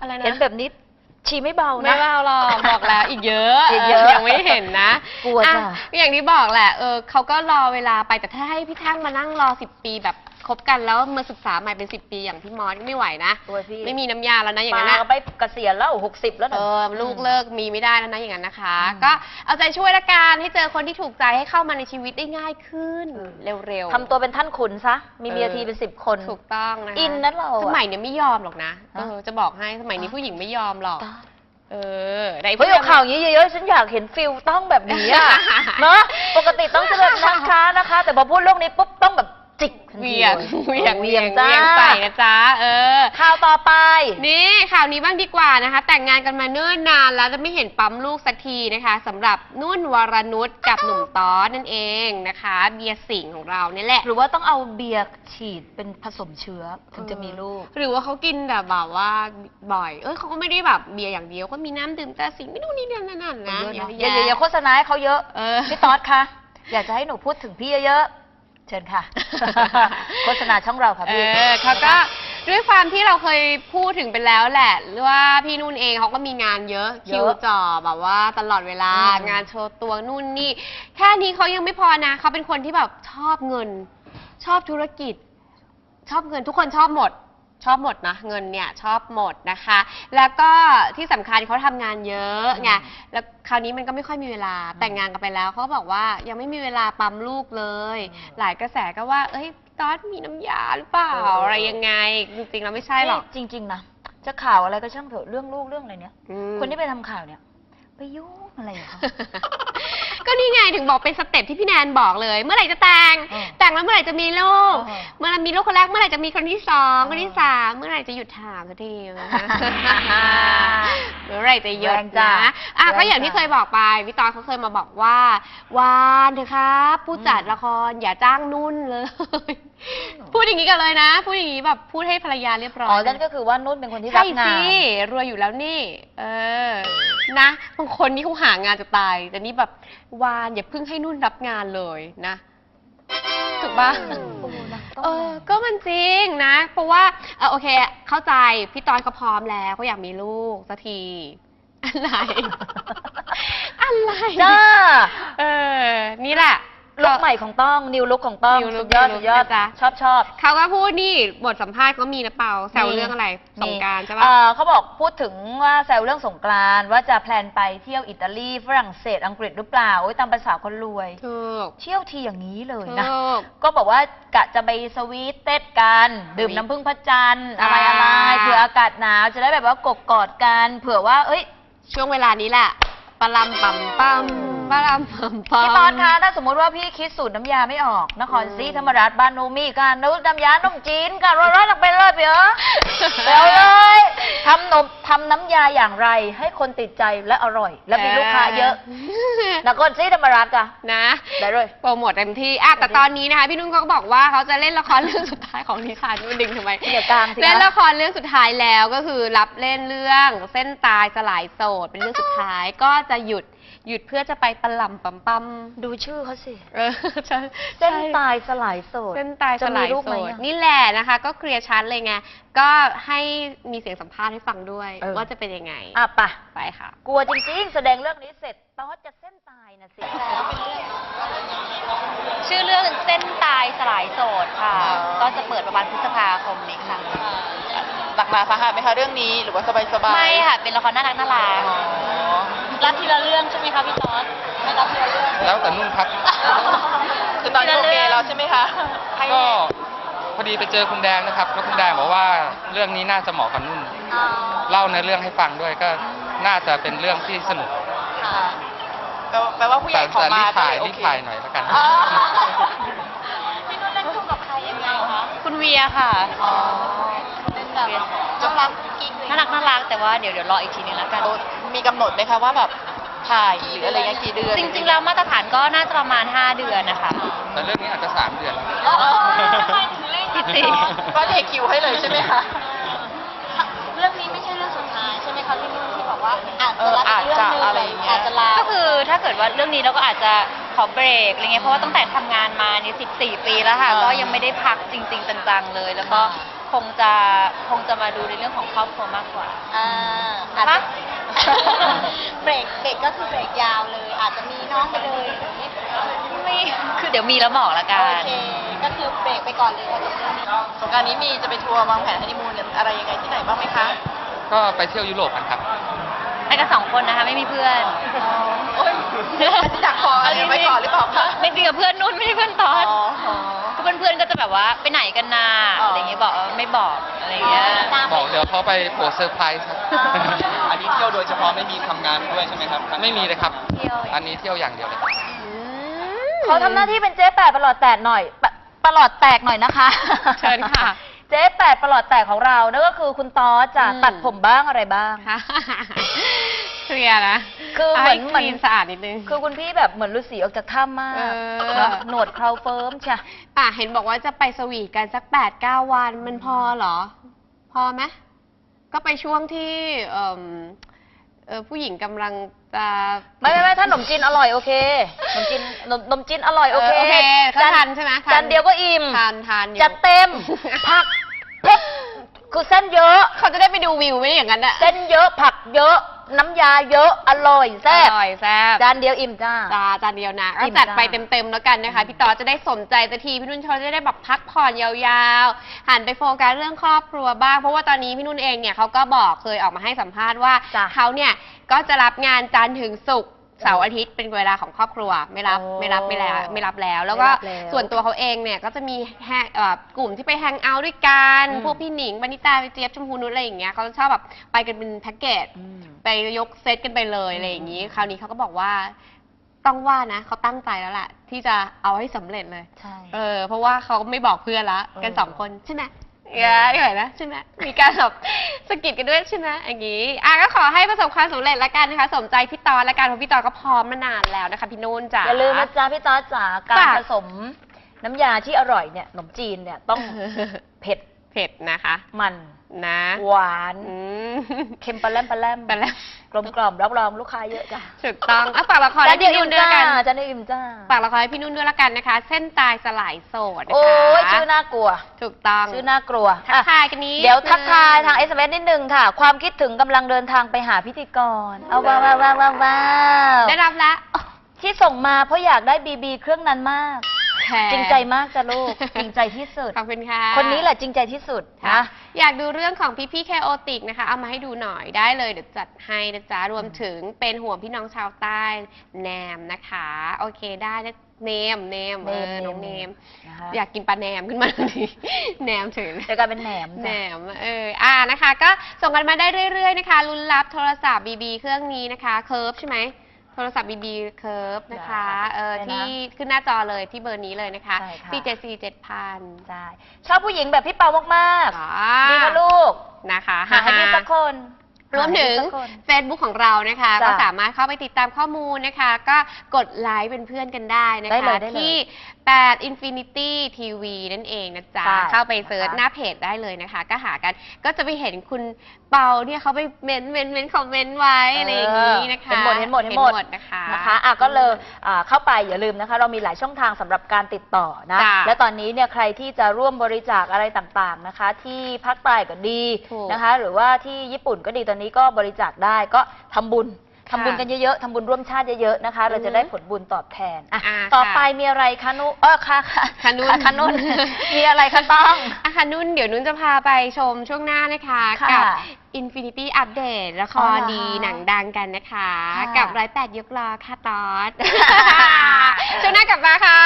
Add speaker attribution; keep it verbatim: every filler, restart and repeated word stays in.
Speaker 1: อะไรนะ
Speaker 2: เห็นแบบนี้ชีไม่เบานะ
Speaker 1: ไม่เบาหรอกบอกแล้วอีกเยอะ
Speaker 2: อีกเยอะ
Speaker 1: ยังไม่เห็นนะ
Speaker 2: กลัวจ้ะ
Speaker 1: อย่างที่บอกแหละเออเขาก็รอเวลาไปแต่ถ้าให้พี่ทั้งมานั่งรอสิบปีแบบคบกันแล้วมาศึกษาใหม่เป็นสิบปีอย่างพี่มอสไม่ไหวนะ
Speaker 2: ตัวพี่
Speaker 1: ไม่มีน้ำยาแล้วนะอย่างนั้น
Speaker 2: มา
Speaker 1: นะ
Speaker 2: ไปเกษียณแล้วหกสิบแล้ว
Speaker 1: เอ
Speaker 2: นะ
Speaker 1: อลูกเลิกมีไม่ได้แล้วนะอย่างนั้นนะคะ
Speaker 2: อืม
Speaker 1: ก็เอาใจช่วยละกันให้เจอคนที่ถูกใจให้เข้ามาในชีวิตได้ง่ายขึ้น เร็วๆ
Speaker 2: ทำตัวเป็นท่านขุนซะมีเมีย
Speaker 1: เออ
Speaker 2: ทีเป็นสิบคน
Speaker 1: ถูกต้องนะคะ
Speaker 2: อินนะเราอะ
Speaker 1: สมัยเนี้ยไม่ยอมหรอกนะ
Speaker 2: ฮะ
Speaker 1: เออจะบอกให้สมัยนี้
Speaker 2: ฮะ
Speaker 1: ผู้หญิงไม่ยอมหรอก
Speaker 2: ตาย
Speaker 1: เออใน
Speaker 2: เฮ้ยเอาข่าวอย่างนี้เยอะๆฉันอยากเห็นฟิลต้องแบบนี้อะ เนาะปกติต้องจะแบบนะคะนะคะ แต่พอพูดเรื่องนี้ปุ๊บต้องแบบจิกทัน
Speaker 1: เวี
Speaker 2: ที
Speaker 1: ยง
Speaker 2: ล
Speaker 1: เวียง
Speaker 2: เวี
Speaker 1: เวี
Speaker 2: ย
Speaker 1: ย
Speaker 2: ง
Speaker 1: ง
Speaker 2: จ้า
Speaker 1: เวียงใส่นะจ๊ะเออ
Speaker 2: ข่าวต่อไป
Speaker 1: นี่ข่าวนี้บ้างดีกว่านะคะ แต่งงานกันมาเนิ่นนานแล้วจะไม่เห็นปั๊มลูกสักทีนะคะสำหรับนุ่นวรนุชกับหนุ่มต้อนั่นเองนะคะ เบียร์สิงห์ของเราเนี่ยแหละ
Speaker 2: หรือว่าต้องเอาเบียร์ฉีดเป็นผสมเชื้อถึงจะมีลูก
Speaker 1: หรือว่าเขากินแบบแบบว่าบ่อย เอ้ยเขาก็ไม่ได้แบบเบียร์อย่างเดียวก็มีน้ำดื่มแต่สิ่งไม่นู่นนี่นั่นนั่นนะ
Speaker 2: เยอะ
Speaker 1: เย
Speaker 2: นะ
Speaker 1: อะ
Speaker 2: อย่า
Speaker 1: แยะ
Speaker 2: อย่าโฆษณาให้เขาเยอะ
Speaker 1: เออ
Speaker 2: พี่ต๊อดคะอยากจะให้หนูพูดถึงพี่เยอะๆเชิญค่ะ โฆษณาช่องเราค่ะ
Speaker 1: เอ
Speaker 2: พี่
Speaker 1: อเขาก็ด้วยความที่เราเคยพูดถึงไปแล้วแหละว่าพี่นุ่นเองเขาก็มีงานเยอะ
Speaker 2: เย
Speaker 1: คิ
Speaker 2: อะ
Speaker 1: วจ่อแบบว่าตลอดเวลา
Speaker 2: อืม
Speaker 1: งานโชว์ตัวนู่นนี่ แค่นี้เขายังไม่พอนะเขาเป็นคนที่แบบชอบเงิน ชอบธุรกิจ ชอบเงินทุกคนชอบหมด ชอบหมดนะเงินเนี่ยชอบหมดนะคะ แล้วก็ที่สำคัญเขาทำงานเยอะไงแล้วคราวนี้มันก็ไม่ค่อยมีเวลาแต่งงานกันไปแล้วเขาบอกว่ายังไม่มีเวลาปั๊มลูกเลย หลายกระแสก็ว่าเอ้ยตอนมีน้ำยาหรือเปล่า
Speaker 2: เออเออ
Speaker 1: อะไรยังไงจริงๆแล้วไม่ใช่หรอก
Speaker 2: จริง ๆนะจะข่าวอะไรก็ช่างเถอะเรื่องลูกเรื่องอะไรเนี้ย
Speaker 1: อืม
Speaker 2: คนที่ไปทำข่าวเนี่ยไปยุ่งอะไรกับเขา
Speaker 1: ก็นี่ไงถึงบอกเป็นสเต็ปที่พี่แนนบอกเลย เมื่อไหร่จะแต่ง
Speaker 2: เออ
Speaker 1: แต่งแล้วเมื่อไหร่จะมีลูก
Speaker 2: เออ
Speaker 1: เมื่อไหร่มีลูกคนแรกเมื่อไหร่จะมีคนที่สอง
Speaker 2: เออ
Speaker 1: คนที่สามเมื่อไหร่จะหยุดถามสักทีนะคะ เมื่อไหร่จะหยุด
Speaker 2: แรงจ้ะ
Speaker 1: นะอ่ะ
Speaker 2: แรง
Speaker 1: ก็อย่างที่
Speaker 2: จ้ะ
Speaker 1: เคยบอกไปพี่ตอนเขาเคยมาบอกว่าวานเถอะครับผู้จัด
Speaker 2: อืม
Speaker 1: ละครอย่าจ้างนุ่นเลย พูดอย่างนี้กันเลยนะ พูดอย่างนี้แบบพูดให้ภรรยาเรียบร้อย
Speaker 2: อ๋อ
Speaker 1: นะ
Speaker 2: นั่นก็คือว่านุ่นเป็นคนที่รั
Speaker 1: ใช่
Speaker 2: บงา
Speaker 1: สิ
Speaker 2: น
Speaker 1: รวยอยู่แล้วนี่ เออ นะบางคนนี่เขาหางานจะตาย แต่นี่แบบวานอย่าเพิ่งให้นุ่นรับงานเลยนะ ถูกปะ
Speaker 2: โอ้นะต้อง
Speaker 1: เออ ก็มันจริงนะ เพราะว่าเออโอเค เข้าใจ พี่ตอนเขาพร้อมแล้วเขาอยากมีลูกสักที อะไร อะไร
Speaker 2: จ้า
Speaker 1: เออ นี่แหละ
Speaker 2: ลุกใหม่ของต้องนิวลุกของต้อง
Speaker 1: New
Speaker 2: สุ
Speaker 1: look
Speaker 2: ดยอด
Speaker 1: New
Speaker 2: สุ
Speaker 1: look
Speaker 2: ดยอด
Speaker 1: นะจ๊ะ
Speaker 2: ชอบชอบ
Speaker 1: เขาก็พูดนี่บทสัมภาษณ์ก็มีนะเปาแซว
Speaker 2: มี
Speaker 1: เรื่องอะไรสงกรารใช่ปะ
Speaker 2: เอ่อเขาบอกพูดถึงว่าแซวเรื่องสงกรานต์ว่าจะแพลนไปเที่ยวอิตาลีฝรั่งเศสอังกฤษหรือเปล่าโอ้ยตามภาษาคนรวย
Speaker 1: ถูก
Speaker 2: เที่ยวทีอย่างนี้เลยนะ
Speaker 1: ถูก
Speaker 2: ก็บอกว่ากะจะไปสวีทเต้นกัน ดื่มน้ำผึ้งพระจันทร์
Speaker 1: จ้า
Speaker 2: อะไรอะไรเผื่ออากาศหนาวจะได้แบบว่ากกกอดกันเผื่อว่า เอ้ย
Speaker 1: ช่วงเวลานี้แหละปลำปั๊มปั๊มปลำปั๊มปั๊ม
Speaker 2: พี่ตอนคะถ้าสมมติว่าพี่คิดสูตรน้ำยาไม่ออกนครศรีธรรมราชบ้านโนมีกันนึกน้ำยาต้มจีนกันร้อนๆออกไปเลยเปี๋ยเดี๋ยวเลยทำนมทำน้ำยาอย่างไรให้คนติดใจและอร่อย และมีลูกค้าเยอะนครศรีธรรมราชกะ
Speaker 1: นะ
Speaker 2: ได้เลย
Speaker 1: โปรโมทเต็มที่อ่ะแต่ตอนนี้นะคะพี่นุ่นเขาก็บอกว่าเขาจะเล่นละครเรื่องสุดท้ายของดิฉันนุ่นดึงทำไม
Speaker 2: เดี๋ยวกลางสิคะ
Speaker 1: เล่นละครเรื่องสุดท้ายแล้วก็คือรับเล่นเรื่องเส้นตายสลายโสดเป็นเรื่องสุดท้ายก็จะหยุดหยุดเพื่อจะไปปลำปั๊มปั๊ม
Speaker 2: ดูชื่อเขาสิ
Speaker 1: เออใช่
Speaker 2: เส้น
Speaker 1: ใช่
Speaker 2: ตายสลายโสด
Speaker 1: เส้นตายส
Speaker 2: จะ
Speaker 1: ลา
Speaker 2: มี
Speaker 1: ย
Speaker 2: ลูก
Speaker 1: โส
Speaker 2: ไหม
Speaker 1: ด
Speaker 2: อะ
Speaker 1: นี่แหละนะคะ ก็เคลียร์ชัดเลยไงก็ให้มีเสียงสัมภาษณ์ให้ฟังด้วย
Speaker 2: เออ
Speaker 1: ว่าจะเป็นยังไง
Speaker 2: อ่ะไปะ
Speaker 1: ไปค่ะ
Speaker 2: กลัวจริงๆ แสดงเรื่องนี้เสร็จตอสจะเส้นตายนะสิ
Speaker 3: ชื่อเรื่องเส้นตายสลายโสดค่ะ
Speaker 2: อ๋อ
Speaker 3: ก็จะเปิดประมาณพฤษภาคมนี้ค่ะ
Speaker 4: หนักหนาสาหัสไหมคะเรื่องนี้หรือว่าสบายสบาย
Speaker 3: ไม่ค่ะ เป็นละครน่ารักน่ารัก
Speaker 4: รับทีละเรื่องใช่ไหมคะพี่ตอสไม่รับทีละเรื่องแล้วแต่นุ่นครับ คือตอนนี้โอเคแล้วใช่ไหมคะ
Speaker 5: ก็พอดีไปเจอคุณแดงนะครับแล้วคุณแดงบอกว่าเรื่องนี้น่าจะเหมาะกับนุ่น เล่าในเรื่องให้ฟังด้วยก็น่าจะเป็นเรื่องที่สนุก
Speaker 4: แปลว่าแปลว่าผู้ให
Speaker 5: แต่
Speaker 4: ญ่ขอ
Speaker 5: แต่
Speaker 4: มา
Speaker 5: รีบถ่าย
Speaker 4: ก็เล
Speaker 5: รี
Speaker 4: โอบ เค
Speaker 5: ถ่ายหน่อยแล้วกัน
Speaker 4: อ๋อ
Speaker 3: พี่นุ่นเล่นคู่กับใครยังไงคะ
Speaker 1: คุณเวียค่ะ
Speaker 3: เป็นแบบน่ารักกิ๊กน่ารักน่ารักแต่ว่าเดี๋ยวเดี๋ยวรออีกทีนึงแล้วกัน
Speaker 4: มีกำหนดไหมคะว่าแบบถ่ายหรืออะไรเงี้ยกี่เดือน
Speaker 3: จริงๆแล้วมาตรฐานก็น่าจะประมาณห้าเดือนนะคะ
Speaker 5: แต่เรื่องนี้อาจจะสามเดือน
Speaker 3: พี่ติ
Speaker 4: ก็เทคิวให้เลยใช่ไหมคะ
Speaker 3: เรื่องนี้ไม่ใช่เรื่องสุดท้ายใช่ไหมคะพี่นุ่นที่บอกว่าอาจ
Speaker 4: เอ
Speaker 3: จะ
Speaker 4: อ
Speaker 3: รับ
Speaker 4: อาจ
Speaker 3: เรื่อง
Speaker 4: จะ
Speaker 3: นึง
Speaker 4: อะไรอย่างเงี้ย
Speaker 3: อาจจะลาก็คือถ้าเกิดว่าเรื่องนี้เราก็อาจจะขอเบรกอะไรเงี้ยเพราะว่าตั้งแต่ทำงานมานี่สิบสี่ปีแล้วค่ะ
Speaker 4: อ่า
Speaker 3: ก็ยังไม่ได้พักจริง ๆจังๆเลย แล้วก็คงจะคงจะมาดูในเรื่องของครอบครัวมากกว่า
Speaker 6: อ่าอาจจะ เบรกเบรกก็คือเบรกยาวเลย อาจจะมีน้องไปเลยอย่างนี้
Speaker 3: ไม่คือเดี๋ยวมีแล้วบอกละกั
Speaker 6: โอน เคก็คือเบรกไปก่อนเลยค่ะเรื่องนี้
Speaker 4: สงกรานต์นี้มีจะไปทัวร์วางแผนฮันนีมูนอะไรยังไงที่ไหนบ้างไหมคะ
Speaker 5: ก็ไปเที่ยวยุโรปกันครับ
Speaker 3: ไปกันสองคนนะคะไม่มีเพื่อน
Speaker 4: โอ้ยอยากขออะไรไว้ก่อนหรือเปล่าคะ
Speaker 3: ไม่จริงกับเพื่อนนุ่นไม่ใช่เพื่อนตอน
Speaker 4: อ๋ออ๋อ
Speaker 3: ก็เพื่อนๆก็จะแบบว่าไปไหนกันนา
Speaker 4: อ๋ออ
Speaker 3: อะไรอย่างเงี้ยบอกเออไม่บอกอะไรอย่างเงี้ย
Speaker 5: บอกเดี๋ยวเขาไปโผล่เซอร์ไพรส์ครับ
Speaker 7: อันนี้เที่ยวโดยเฉพาะไม่มีทำงานด้วยใช่ไหมครับ
Speaker 5: ไม่มีเลยครับ
Speaker 3: เที่ยว
Speaker 5: อันนี้เที่ยวอย่างเดียวเลยครับ
Speaker 2: เขาทำหน้าที่เป็นเจ๊แปดประหลอดแตกหน่อยปะประหลอดแตกหน่อยนะคะ
Speaker 1: เชิญค่ะ
Speaker 2: เจ๊แปดประหลอดแตกของเรานั่นก็คือคุณต๊อดจะ
Speaker 1: อืม
Speaker 2: ตัดผมบ้างอะไรบ้าง
Speaker 1: ค่ะเคลียร์นะ
Speaker 2: คือเหมือน
Speaker 1: ให้
Speaker 2: เหมือน
Speaker 1: คลีนสะอาดนิดนึง
Speaker 2: คือคุณพี่แบบเหมือนฤาษีออกจากถ้ำมาก
Speaker 1: เออ
Speaker 2: เนอะหนวดเคราเฟิร์มใช่
Speaker 1: อ่ะเห็นบอกว่าจะไปสวีทกันสักแปดเก้าวันมันพอเหรอ พอไหมก็ไปช่วงที่เอิ่มเออผู้หญิงกำลังจะ
Speaker 2: ไม่ไม่ไม่ถ้าขนมจีนอร่อยโอเคขนมจีนขนมขนมจีนอร่อยโอเค
Speaker 1: เออโอเคก็
Speaker 2: จาน
Speaker 1: ทานใช่ไหมทาน
Speaker 2: จานเดียวก็อิ่ม
Speaker 1: ทานทานอยู่
Speaker 2: จัดเต็มผักเผ็ดคือเส้นเยอะ
Speaker 1: เขาจะได้ไปดูวิวไม่ได้อย่างนั้นอะ
Speaker 2: เส้นเยอะผักเยอะน้ำยาเยอะอร่อยแซ่บ
Speaker 1: อร่อยแซ่บ
Speaker 2: จานเดียวอิ่มจ้า
Speaker 1: จาจานเดียวนะ
Speaker 2: อิ่
Speaker 1: ก็
Speaker 2: ม
Speaker 1: จัดไป
Speaker 2: จ้า
Speaker 1: เต็มๆแล้วกันนะคะ พี่ต่อจะได้สนใจสักทีพี่นุ่นเขาจะได้แบบพักผ่อนยาวๆ หันไปโฟกัสเรื่องครอบครัวบ้าง เพราะว่าตอนนี้พี่นุ่นเองเนี่ยเขาก็บอกเคยออกมาให้สัมภาษณ์ว่า
Speaker 2: จ้ะ
Speaker 1: เขาเนี่ยก็จะรับงานจันทร์ถึงศุกร์เสาร์อาทิตย์เป็นเวลาของครอบครัวไม่รับ
Speaker 2: โอ้
Speaker 1: ไม่รับไม่แล้วไม่รับแล้ว แล้วก็
Speaker 2: ไม่รับแล้ว
Speaker 1: ส่วนตัวเขาเองเนี่ยก็จะมีแฮงเอ่อกลุ่มที่ไปแฮงเอาท์ด้วยกัน
Speaker 2: อืม
Speaker 1: พวกพี่หนิงบานิตาพี่เจี๊ยบชมพูนุชอะไรอย่างเงี้ยเขาจะชอบแบบไปกันเป็นแพ็กเกจ
Speaker 2: อืม
Speaker 1: ไปยกเซตกันไปเลยอะไรอย่างนี้ คราวนี้เขาก็บอกว่าต้องว่านะเขาตั้งใจแล้วแหละที่จะเอาให้สำเร็จเลย
Speaker 2: ใช่
Speaker 1: เออ เพราะว่าเขาไม่บอกเพื่อนละ
Speaker 2: เออ
Speaker 1: กันสองคนใช่ไหมเออเหนื่อยนะใช่ไหมมีการแบบสะกิดกันด้วยใช่ไหมอย่างนี้อ่ะก็ขอให้ประสบความสำเร็จละกันนะคะ สมใจพี่ตอนละกันเพราะพี่ตอนก็พร้อมมานานแล้วนะคะพี่นุ่นจ้ะ
Speaker 2: อย่าลืมนะจ๊ะพี่ต๊อดจ๋าการ
Speaker 1: จ้ะ
Speaker 2: ผสมน้ำยาที่อร่อยเนี่ยขนมจีนเนี่ยต้องเผ็ด
Speaker 1: เผ็ดนะคะ
Speaker 2: มัน
Speaker 1: นะ
Speaker 2: หวาน
Speaker 1: อืม
Speaker 2: เค็มปลาแรมปลาแรม
Speaker 1: ไปแล้ว
Speaker 2: กลมกล่อมรับรองลูกค้าเยอะจ้ะ
Speaker 1: ถูกต้องอ่ะฝากละคร
Speaker 2: จา
Speaker 1: ให้
Speaker 2: นเดียว
Speaker 1: พี่
Speaker 2: อิ่
Speaker 1: นุ่
Speaker 2: ม
Speaker 1: นด้วย
Speaker 2: จ้า
Speaker 1: ละกัน
Speaker 2: จานเดียวอิ่มจ้า
Speaker 1: ฝากละครให้พี่นุ่นด้วยละกันนะคะ เส้นตายสลายโสดนะคะ
Speaker 2: โอ้ยชื่อน่ากลัว
Speaker 1: ถูกต้อง
Speaker 2: ชื่อน่ากลัว
Speaker 1: ทักทายกันนี้
Speaker 2: เดี๋ยวทักทายทาง เอส เอ็ม เอส นิดนึงค่ะ ความคิดถึงกำลังเดินทางไปหาพิธีกร เอาว้าวว้าวว้าวว้าวว้าว
Speaker 1: ได้รับแล้ว
Speaker 2: ที่ส่งมาเพราะอยากได้บีบีเครื่องนั้นมาก
Speaker 1: แหม
Speaker 2: จริงใจมากจ้ะลูก จริงใจที่สุด
Speaker 1: ขอบคุณค่ะ
Speaker 2: คนนี้แหละจริงใจที่สุด
Speaker 1: ค่ะ
Speaker 2: นะ
Speaker 1: อยากดูเรื่องของพี่พี่แคโอติกนะคะ เอามาให้ดูหน่อยได้เลยเดี๋ยวจัดให้นะจ๊ะ รวมถึงเป็นห่วงพี่น้องชาวใต้แนมนะคะ โอเคได้นะเนมเนมเออน้องเนม
Speaker 2: นะคะ
Speaker 1: อยากกินปลาแหนมขึ้นมาทันทีแหนมถึง
Speaker 2: เดี๋ยวกลายเป็นแหนม
Speaker 1: แหน
Speaker 2: จ้ะ
Speaker 1: มเอออ่านะคะ ก็ส่งกันมาได้เรื่อยๆนะคะลุ้นรับโทรศัพท์บีบีเครื่องนี้นะคะเคิร์ฟใช่ไหมโทรศัพท์บีบีเคิร์ฟนะคะเออที่ขึ้นหน้าจอเลยที่เบอร์นี้เลยนะคะ
Speaker 2: ใช่ค่ะ
Speaker 1: สี่เจ็ดสี่เจ็ดพัน
Speaker 2: ใช่ชอบผู้หญิงแบบพี่เปามากๆดีค่ะลูก
Speaker 1: นะคะ
Speaker 2: หาให้พี่สักคน
Speaker 1: รวมถึง
Speaker 2: หาให้พี่สักคน
Speaker 1: Facebook ของเรานะคะ
Speaker 2: จ้ะ
Speaker 1: ก็สามารถเข้าไปติดตามข้อมูลนะคะ ก็กดไลค์เป็นเพื่อนกันได้นะ
Speaker 2: ได้เล
Speaker 1: คะ
Speaker 2: ยได้เลย
Speaker 1: ที่แปด Infinity ที วี นั่นเองนะจ๊ะ
Speaker 2: ใช่
Speaker 1: เข้าไปเซิร์ช
Speaker 2: นะคะ
Speaker 1: หน้าเพจได้เลยนะคะ ก็หากันก็จะไปเห็นคุณเปาเนี่ยเขาไปเมนเมนเมนคอมเมนต์ไว้อะไรอย่างนี้นะคะ
Speaker 2: เห็นหมดเห็นหมดเห็นหมด
Speaker 1: นะคะ
Speaker 2: นะคะอ่ะก็เลยอ่าเข้าไปอย่าลืมนะคะ เรามีหลายช่องทางสำหรับการติดต่อนะ
Speaker 1: จ้ะ
Speaker 2: และตอนนี้เนี่ยใครที่จะร่วมบริจาคอะไรต่างๆนะคะ ที่ภาคใต้ก็ดี
Speaker 1: ถูก
Speaker 2: นะคะ หรือว่าที่ญี่ปุ่นก็ดีตอนนี้ก็บริจาคได้ก็ทำบุญทำบุญ
Speaker 1: ค่ะ
Speaker 2: กันเยอะๆทำบุญร่วมชาติเยอะๆนะคะ เราจะได้ผลบุญตอบแทนอ่ะ
Speaker 1: อ่า
Speaker 2: ต่อ
Speaker 1: ค่ะ
Speaker 2: ไปมีอะไรคะนุเออค่ะค่ะ
Speaker 1: คะนุ่น
Speaker 2: ค่ะนุ่น มีอะไรคะต้อง
Speaker 1: อ่ะค่ะนุ่นเดี๋ยวนุ่นจะพาไปชมช่วงหน้านะคะ
Speaker 2: ค่ะ
Speaker 1: กับ Infinity Update ละค
Speaker 2: อ๋อ
Speaker 1: ร
Speaker 2: เหรอ
Speaker 1: ดีหนังดังกันนะคะ
Speaker 2: ค่ะ
Speaker 1: กับร้อยแปดยกล้อค่ะตอด ช่วงหน้ากลับมาค่ะ